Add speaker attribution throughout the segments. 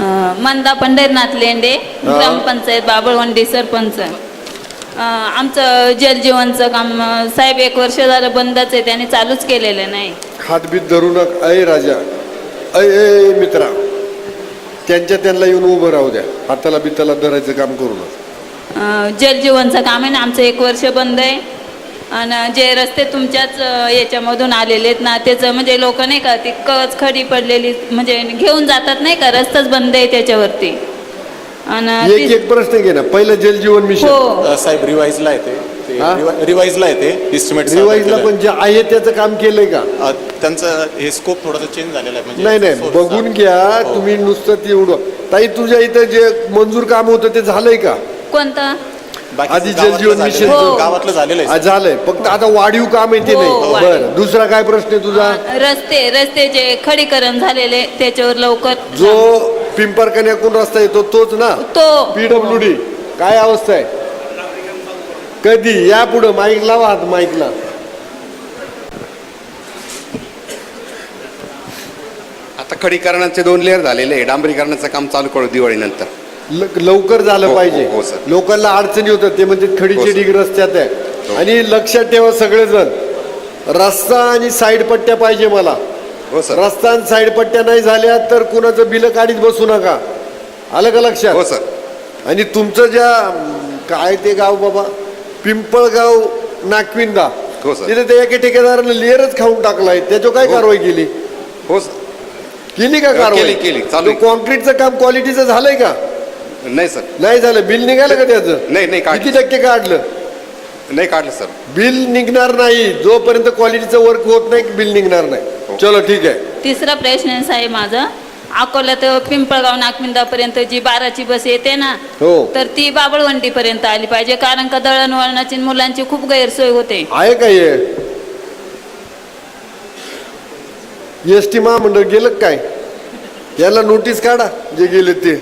Speaker 1: मंदा पंढरीनाथ लेंडे, ग्रामपंचायत बाबळवंडी सरपंच. आमचं जलजीवनचं काम साहेब 1 वर्ष झालं बंदच आहे, त्यांनी चालूच केलेलं नाही.
Speaker 2: हातबीत धरू नका. अय राजा, अय मित्रा, त्यांना येऊन उभं राहू द्या. हाताला बिताला धरायचं काम करू नका.
Speaker 1: जलजीवनचं काम आहे ना, आमचं 1 वर्ष बंद आहे. आणि जे रस्ते तुमच्याच याच्यामधून आलेले आहेत ना, त्याचं म्हणजे लोक नाही का ती कच खडी पडलेली म्हणजे घेऊन जातात नाही का, रस्ताच बंद आहे त्याच्यावरती. आणि
Speaker 2: एक प्रश्न घे ना, पहिलं जलजीवन मिशन.
Speaker 1: हो
Speaker 3: साहेब रिवाइजला येते, रिवाइजला येते इस्टिमेट.
Speaker 2: रिवाइजला पण जे आहे त्याचं काम केलंय का?
Speaker 3: त्यांचं हे स्कोप थोडासा चेंज झालेला आहे. म्हणजे
Speaker 2: नाही बघून घ्या तुम्ही. नुसतं तेवढं ताई, तुझ्या इथं जे मंजूर काम होतं ते झालंय का?
Speaker 1: कोणतं?
Speaker 2: आधी जलजीवन मिशन
Speaker 3: गावातलं झालेलं आहे.
Speaker 2: झालंय, फक्त आता वाढीव काम आहे ते नाही. बरं, दुसरा काय प्रश्न आहे तुझा?
Speaker 1: रस्ते जे खडीकरण झालेले त्याच्यावर लवकर.
Speaker 2: जो पिंपरकन्याकून रस्ता येतो तोच ना?
Speaker 1: तो
Speaker 2: PWD काय अवस्था आहे? कधी या पुढं माईक लावा, हात माईकला.
Speaker 4: आता खडीकरणाचे 2 लेअर झालेले आहे. डांबरीकरणाचं काम चालू करू दिवाळीनंतर.
Speaker 2: लवकर झालं
Speaker 4: हो,
Speaker 2: पाहिजे.
Speaker 4: हो, सर.
Speaker 2: लोकांना अडचणी होतात ते म्हणजे खडीचे
Speaker 4: सर.
Speaker 2: ढीग रस्त्यात आहे. आणि लक्षात ठेवा सगळेजण, रस्ता आणि साईड पट्ट्या पाहिजे मला.
Speaker 4: हो सर.
Speaker 2: रस्ता आणि साईड पट्ट्या नाही झाल्या तर कुणाचं बिल काढीत बसू नका. आलं का लक्षात?
Speaker 4: हो सर.
Speaker 2: आणि तुमचं ज्या काय ते गाव बाबा, पिंपळगाव नागविंदा,
Speaker 4: हो सर.
Speaker 2: तिथे ते एका ठेकेदारानं लेअरच खाऊन टाकलाय. त्याच्यावर काय कारवाई केली?
Speaker 4: हो सर.
Speaker 2: केली का कारवाई?
Speaker 4: केली, चालू आहे.
Speaker 2: कॉन्क्रीटचं काम क्वालिटीचं झालंय का?
Speaker 4: नाही सर. नाही,
Speaker 2: नाही झालं. बिल निघालं का त्याचं?
Speaker 4: नाही
Speaker 2: किती टक्के काढलं?
Speaker 4: नाही काढलं सर.
Speaker 2: बिल निघणार नाही जोपर्यंत क्वालिटीचं वर्क होत नाही, बिल निघणार नाही. चलो ठीक आहे.
Speaker 1: तिसरा प्रश्न आहे साहेब माझा. अकोला ते पिंपळगाव नागविंदापर्यंत जी 12ची बस येते ना,
Speaker 2: हो.
Speaker 1: तर ती बाबळवंडी पर्यंत आली पाहिजे, कारण का दळणवळणाची मुलांची खूप गैरसोय होते.
Speaker 2: आहे का हे? ST महामंडळ गेलं काय? याला नोटीस काढा जे गेले ते.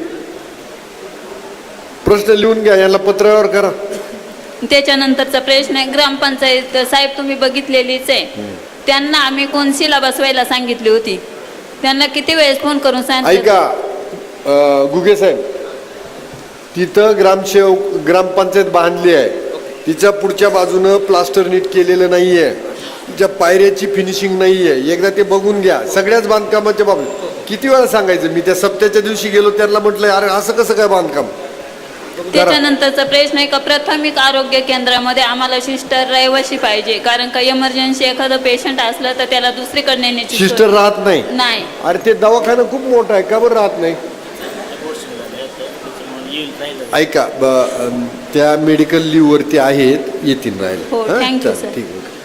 Speaker 2: प्रश्न लिहून घ्या, याला पत्रावर करा.
Speaker 1: त्याच्यानंतरचा प्रश्न आहे ग्रामपंचायत साहेब, तुम्ही बघितलेलीच आहे. त्यांना आम्ही कोणसीला बसवायला सांगितली होती, त्यांना किती वेळेस फोन करून सांगितलं.
Speaker 2: ऐका गुगे साहेब, तिथं ग्रामपंचायत बांधली आहे, तिच्या पुढच्या बाजूनं प्लास्टर नीट केलेलं नाहीये, तिच्या पायऱ्याची फिनिशिंग नाहीये. एकदा ते बघून घ्या. सगळ्याच बांधकामाच्या बाबतीत किती वेळा सांगायचं? मी त्या सप्त्याच्या दिवशी गेलो, त्यांना म्हटलं अरे असं कसं काय बांधकाम.
Speaker 1: त्याच्यानंतरचा प्रश्न आहे का प्राथमिक आरोग्य केंद्रामध्ये आम्हाला सिस्टर रहिवाशी पाहिजे, कारण का इमर्जन्सी एखादं पेशंट असलं तर त्याला दुसरीकडे नेण्याची
Speaker 2: सिस्टर राहत नाही.
Speaker 1: नाही.
Speaker 2: अरे ते दवाखाना खूप मोठा आहे, का बरं राहत नाही? ऐका त्या मेडिकल लीव वरती आहेत, येतील
Speaker 1: हो,
Speaker 2: राहायला.
Speaker 1: Thank you sir.
Speaker 2: ठीक आहे.